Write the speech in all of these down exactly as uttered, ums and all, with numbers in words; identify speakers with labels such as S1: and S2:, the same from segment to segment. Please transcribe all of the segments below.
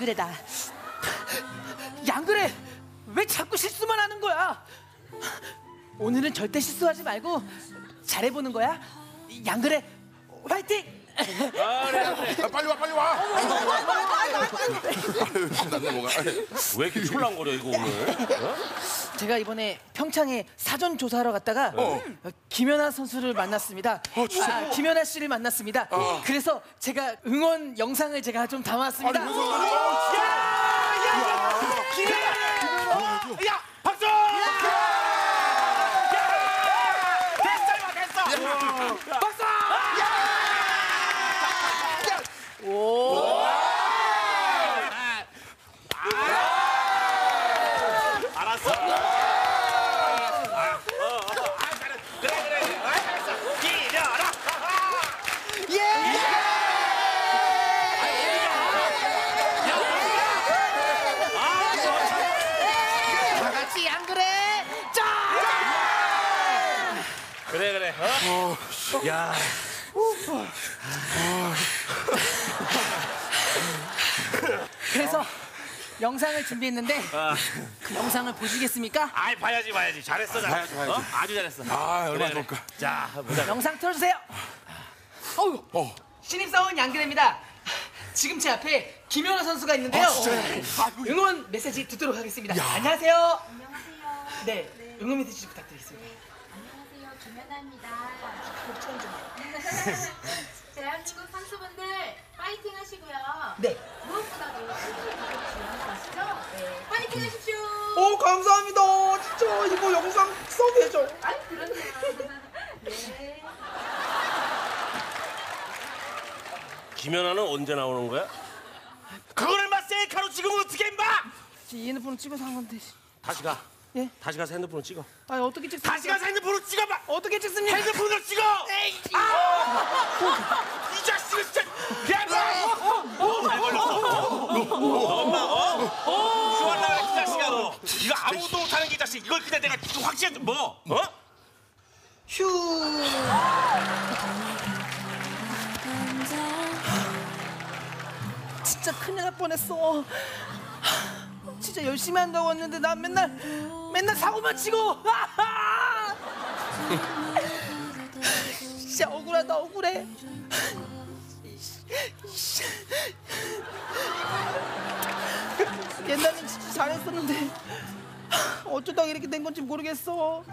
S1: 양그래다. 양그래, 왜 자꾸 실수만 하는 거야? 오늘은 절대 실수하지 말고 잘해보는 거야. 양그래, 화이팅!
S2: 아, 그래, 그래.
S3: 아, 빨리 와, 빨리 와. 신났네 뭐가.
S2: 왜 이렇게 촐랑거려 이거 오늘? 어?
S1: 제가 이번에 평창에 사전 조사하러 갔다가 어. 김연아 선수를 만났습니다.
S3: 어, 진짜?
S1: 아, 김연아 씨를 만났습니다. 어. 그래서 제가 응원 영상을 제가 좀 담아왔습니다.
S3: 아니, 무슨 소리야? 어,
S1: 야, 야, 야, 김연아!
S2: 어? 야, 박수! 됐어, 이거 됐어.
S1: 박수! 오!
S2: 알았어. 아, 어, 어, 아, 잘했어. 그래, 그래. 아, 잘했어. 기려라.
S1: 예! 다 같이 안 그래? 짜!
S2: 그래, 그래. 어? 야.
S1: 그래서 영상을 준비했는데 그 영상을 보시겠습니까?
S2: 아이, 봐야지, 봐야지. 잘했어, 잘했어.
S3: 봐야지, 봐야지.
S2: 어? 아주 잘했어.
S3: 아, 얼마나
S2: 그래,
S3: 좋을까.
S2: 그래. 자, 보자.
S1: 영상 틀어주세요. 어우,
S3: 어.
S1: 신입사원 양그래입니다. 지금 제 앞에 김연아 선수가 있는데요.
S3: 아, 진짜요? 아이고.
S1: 응원 메시지 듣도록 하겠습니다.
S3: 야.
S1: 안녕하세요.
S4: 안녕하세요.
S1: 네, 응원 메시지 부탁드리겠습니다.
S4: 안녕하세요. 김연아입니다.
S1: 목소리 좀.
S4: 대한민국 선수분들 파이팅 하시고요.
S1: 네.
S4: 무엇보다도 지원하시죠? 네. 파이팅 하십시오.
S1: 오, 감사합니다. 진짜 이거 영상 서브해줘.
S4: 아이, 그럼요. 네.
S2: 김연아는 언제 나오는 거야? 그거를 막 셀카로 찍으면 어떻게 임마!
S1: 이 핸드폰 찍어서 한 건데.
S2: 다시 가.
S1: 예?
S2: 다시 가서 핸드폰으로 찍어.
S1: 아, 어떻게 찍습니까?
S2: 다시 가서 핸드폰으로 찍어봐.
S1: 어떻게 찍습니까?
S2: 핸드폰으로 찍어.
S1: 에이,
S2: 아! 이 자식은 진짜. 야, 너! 어, 잘 걸렸어. 어? 엄마, 어? 어? 휴할라 이 자식아 너. 이거 아무도 못하는 게 이 자식. 이걸 그냥 내가 확실히 뭐? 어?
S1: 휴. 진짜 큰일 날 뻔했어. 진짜 열심히 한다고 했는데 난 맨날 맨날 사고만 치고. 진짜 억울하다, 억울해. 옛날엔 진짜 잘했었는데 어쩌다가 이렇게 된 건지 모르겠어.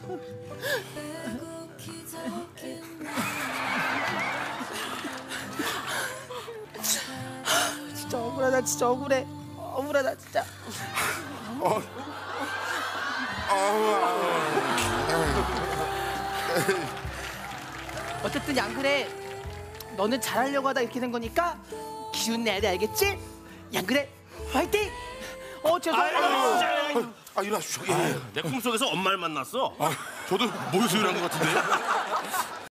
S1: 진짜 억울하다, 진짜 억울해. 억울하다, 진짜.
S3: 어.
S1: 어쨌든 양그래, 너는 잘하려고 하다 이렇게 된 거니까 기운 내야 돼, 알겠지? 양그래, 화이팅! 어, 죄송해요.
S3: 아, 일어나시죠. 예.
S2: 내 꿈속에서 엄마를 만났어.
S3: 아, 저도 모유수유를 한 것 같은데.